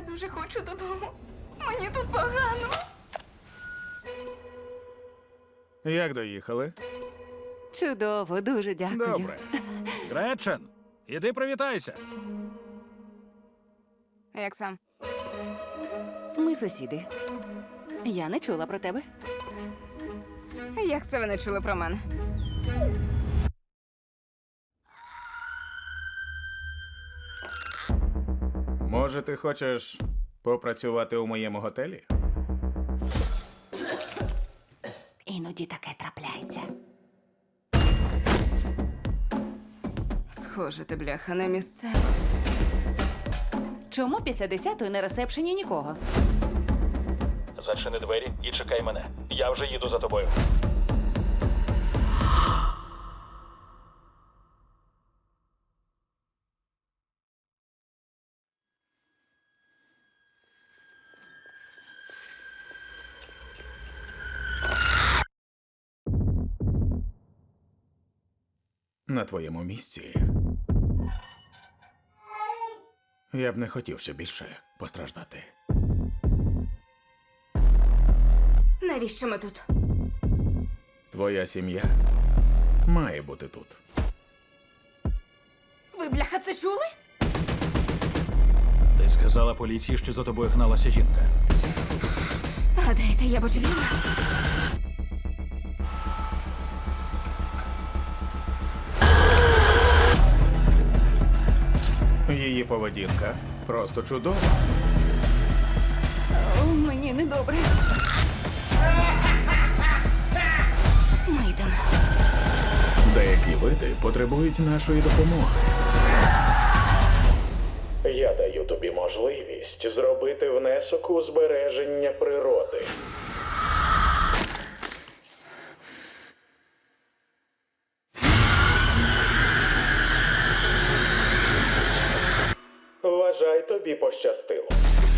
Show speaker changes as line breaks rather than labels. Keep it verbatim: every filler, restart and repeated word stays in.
дуже хочу додому. Мені тут погано.
Як доїхали?
Чудово, дуже дякую.
Добре.
Гречен, іди привітайся.
Як сам?
Ми сусіди. Я не чула про тебе.
Як це ви не чули про мене?
Може, ти хочеш попрацювати у моєму готелі?
Іноді таке трапляється.
Схоже, ти, бляха, не місцева.
Чому після десятої на ресепшені нікого?
Зачини двері і чекай мене. Я вже їду за тобою.
На твоєму місці. Я б не хотів ще більше постраждати.
Навіщо ми тут?
Твоя сім'я має бути тут.
Ви, бляха, це чули?
Ти сказала поліції, що за тобою гналася жінка.
Гадаєте, я божевільна?
Її поведінка просто чудова.
О, мені недобре.
Ми йдемо.
Деякі види потребують нашої допомоги. Я даю тобі можливість зробити внесок у збереження природи. Вважай, тобі пощастило.